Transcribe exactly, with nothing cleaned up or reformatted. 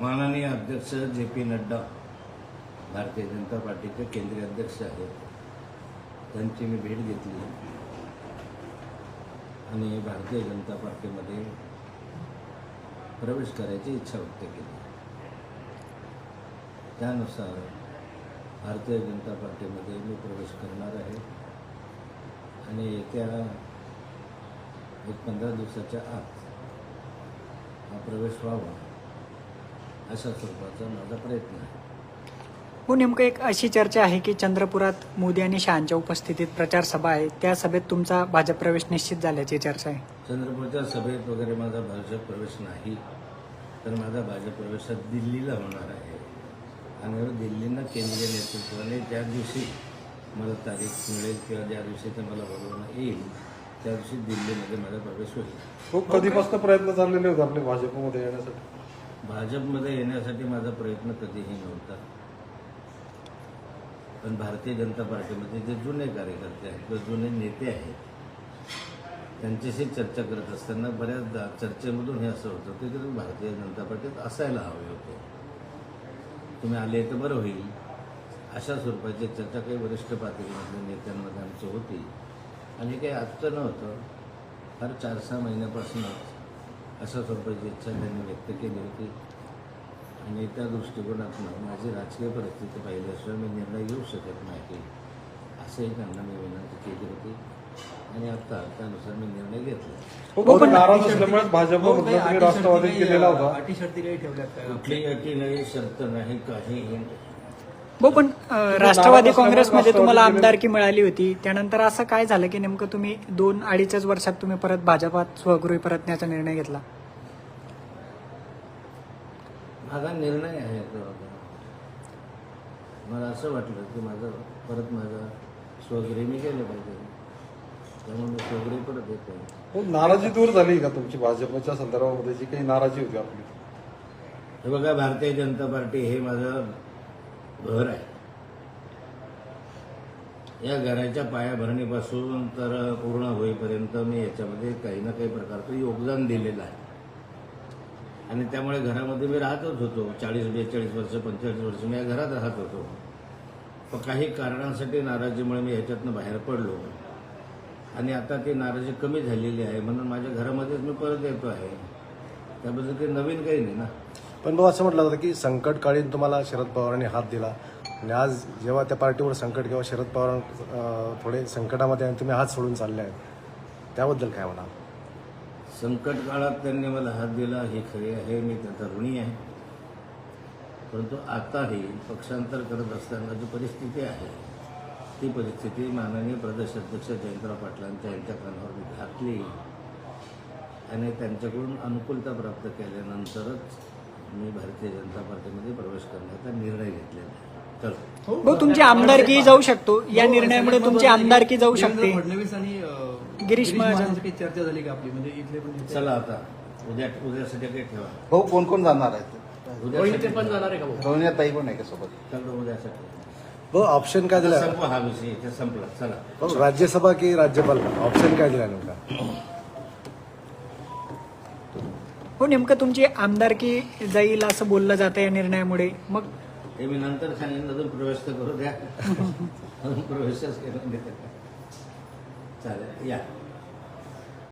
माननीय अध्यक्ष J P Nadda भारतीय जनता पार्टीचे केंद्रीय अध्यक्ष आहेत, त्यांची मी भेट घेतली आणि भारतीय जनता पार्टीमध्ये प्रवेश करायची इच्छा व्यक्त केली. त्यानुसार भारतीय जनता पार्टीमध्ये मी प्रवेश करणार आहे आणि येत्या एक पंधरा दिवसाच्या आत हा प्रवेश व्हावा अशा स्वरूपाचा माझा प्रयत्न आहे. हो, नेमकं एक अशी चर्चा आहे की चंद्रपुरात मोदी आणि शहांच्या उपस्थितीत प्रचार सभा आहे, त्या सभेत तुमचा भाजप प्रवेश निश्चित झाल्याची चर्चा आहे. चंद्रपूरच्या सभेत वगैरे माझा भाजप प्रवेश नाही, तर माझा भाजप प्रवेश दिल्लीला होणार आहे आणि दिल्लीनं केंद्रीय नेतृत्वाने ज्या दिवशी मला तारीख मिळेल किंवा ज्या दिवशी ते मला बोलवणं येईल त्या दिवशी दिल्लीमध्ये माझा प्रवेश होईल. खूप कधीपासून प्रयत्न चाललेले होते आपले भाजपमध्ये येण्यासाठी? भाजपमध्ये येण्यासाठी माझा प्रयत्न कधीही नव्हता, पण भारतीय जनता पार्टीमध्ये जे जुने कार्यकर्ते आहेत किंवा जुने नेते आहेत त्यांच्याशी चर्चा करत असताना बऱ्याचदा चर्चेमधून हे असं होतं की तुम्ही भारतीय जनता पार्टीत असायला हवे होते, तुम्ही आले तर बरं होईल, अशा स्वरूपाची चर्चा काही वरिष्ठ पातळीमधल्या नेत्यांमध्ये आमची होती. आणि काही आजचं नव्हतं, फार चार सहा महिन्यापासूनच अशा स्वरूपाची इच्छा त्यांनी व्यक्त केली होती आणि त्या दृष्टिकोनातून माझी राजकीय परिस्थिती पाहिल्याशिवाय मी निर्णय घेऊ शकत नाही असंही त्यांना मी विनंती केली होती आणि आता त्यानुसार मी निर्णय घेतला. हो, पण नाराज असल्यामुळे भाजपमध्ये तुम्ही राष्ट्रवादी केलेला होता. अटी शर्ती काही ठेवल्यात? कुठली अटी नाही, शर्त नाही, काही हो, पण राष्ट्रवादी काँग्रेसमध्ये तुम्हाला आमदारकी मिळाली होती, त्यानंतर असं काय झालं की नेमकं तुम्ही दोन अडीचच वर्षात तुम्ही परत भाजपात स्वगृही परतण्याचा निर्णय घेतला? माझा निर्णय आहे तो. मला असं वाटलं की माझं परत माझा स्वगृही मी गेलं पाहिजे, त्यामुळे मी स्वगृही परत येतो. हो, नाराजी दूर झाली का तुमची भाजपच्या संदर्भामध्ये जी काही नाराजी होती आपली? हे बघा, भारतीय जनता पार्टी हे माझं घर आहे. या घराच्या पायाभरणीपासून तर पूर्ण होईपर्यंत मी याच्यामध्ये काही ना काही प्रकारचं योगदान दिलेलं आहे आणि त्यामुळे घरामध्ये मी राहतच होतो. चाळीस बेचाळीस वर्ष पंचेचाळीस वर्ष मी या घरात राहत होतो. पण काही कारणांसाठी नाराजीमुळे मी ह्याच्यातनं बाहेर पडलो आणि आता ती नाराजी कमी झालेली आहे म्हणून माझ्या घरामध्येच मी परत येतो आहे. त्याबद्दल काही नवीन काही नाही ना. पण भाऊ, असं म्हटलं होतं की संकटकाळीन तुम्हाला शरद पवारांनी हात दिला आणि आज जेव्हा त्या पार्टीवर संकट किंवा शरद पवार थोडे संकटामध्ये आणि तुम्ही हात सोडून चालले आहेत, त्याबद्दल काय म्हणा? संकट काळात त्यांनी मला हात दिला हे खरे आहे, मी त्यांचा ऋणी आहे. परंतु आताही पक्षांतर करत असताना जी परिस्थिती आहे ती परिस्थिती माननीय प्रदेशाध्यक्ष जयंतराव पाटलांच्या यांच्या कानावर मी घातली आणि त्यांच्याकडून अनुकूलता प्राप्त केल्यानंतरच मी भारतीय जनता पार्टीमध्ये प्रवेश करण्याचा निर्णय घेतलेला आहे. चलो, हो, तुमची आमदारकी जाऊ शकतो, या निर्णयामुळे तुमची आमदारकी जाऊ शकते. फडणवीस आणि गिरीश महाजन चर्चा झाली का आपली? म्हणजे इथले पण चला आता उद्या उद्यासाठी काही ठेवा. भाऊ कोण कोण जाणार आहेत? रोहिणी पण जाणार आहे का भाऊ? रोहिणी ताई पण आहे का सोबत? चलो उद्यासाठी भाऊ, ऑप्शन काय दिला? संपवा हा विषय, इथे संपला. चला भाऊ, राज्यसभा की राज्यपाल, ऑप्शन काय दिला नेमका? हो, नेमकं तुमची आमदारकी जाईल असं बोललं जातं या निर्णयामुळे. मग हे मी नंतर सांगेन, अजून प्रवेश तर करू द्या. अजून प्रवेशच केला चालेल, या.